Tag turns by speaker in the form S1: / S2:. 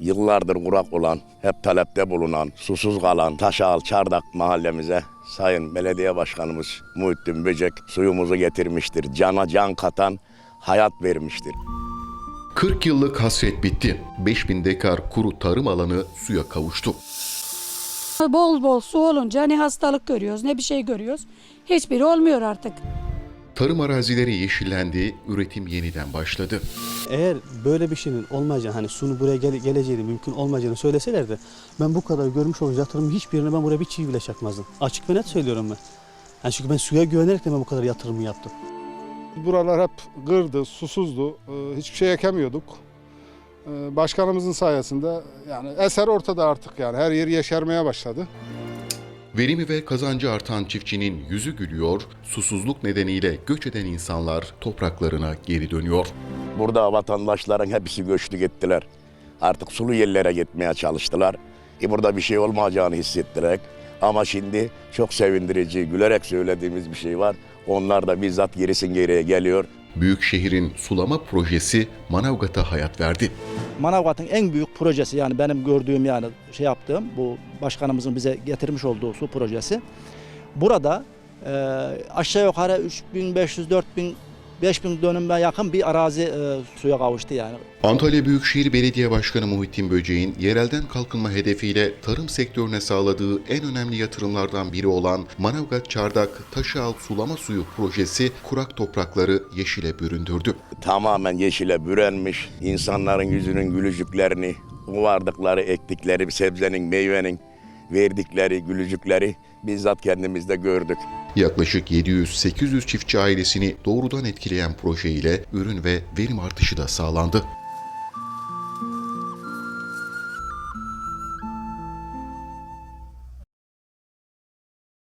S1: yıllardır kurak olan, hep talepte bulunan, susuz kalan Taşağal Çardak mahallemize Sayın Belediye Başkanımız Muhittin Böcek suyumuzu getirmiştir. Cana can katan, hayat vermiştir.
S2: 40 yıllık hasret bitti. 5000 dekar kuru tarım alanı suya kavuştu.
S3: Bol bol su olunca ne hastalık görüyoruz ne bir şey görüyoruz. Hiçbiri olmuyor artık.
S2: Tarım arazileri yeşillendi, üretim yeniden başladı.
S4: Eğer böyle bir şeyin olmayacağını, hani suyun buraya geleceğini, mümkün olmayacağını söyleselerdi, ben bu kadar görmüş olduğum yatırımın hiçbirine ben buraya bir çivi bile çakmazdım. Açık ve net söylüyorum ben. Yani çünkü ben suya güvenerek de ben bu kadar yatırımı yaptım.
S5: Buralar hep gırdı, susuzdu, hiçbir şey ekemiyorduk. Başkanımızın sayesinde yani eser ortada artık, yani her yer yeşermeye başladı.
S2: Verimi ve kazancı artan çiftçinin yüzü gülüyor, susuzluk nedeniyle göç eden insanlar topraklarına geri dönüyor.
S1: Burada vatandaşların hepsi göçtü gittiler. Artık sulu yerlere gitmeye çalıştılar. Burada bir şey olmayacağını hissettirerek. Ama şimdi çok sevindirici, gülerek söylediğimiz bir şey var. Onlar da bizzat geriye geliyor.
S2: Büyükşehir'in sulama projesi Manavgat'a hayat verdi.
S6: Manavgat'ın en büyük projesi, yani benim gördüğüm, yani yaptığım bu başkanımızın bize getirmiş olduğu su projesi. Burada aşağı yukarı 3500, 4000, 5000 dönüme yakın bir arazi suya kavuştu yani.
S2: Antalya Büyükşehir Belediye Başkanı Muhittin Böcek'in yerelden kalkınma hedefiyle tarım sektörüne sağladığı en önemli yatırımlardan biri olan Manavgat Çardak Taşağal Sulama Suyu projesi kurak toprakları yeşile büründürdü.
S1: Tamamen yeşile bürünmüş, insanların yüzünün gülücüklerini, vardıkları, ektikleri bir sebzenin, meyvenin verdikleri gülücükleri bizzat kendimizde gördük.
S2: Yaklaşık 700-800 çiftçi ailesini doğrudan etkileyen proje ile ürün ve verim artışı da sağlandı.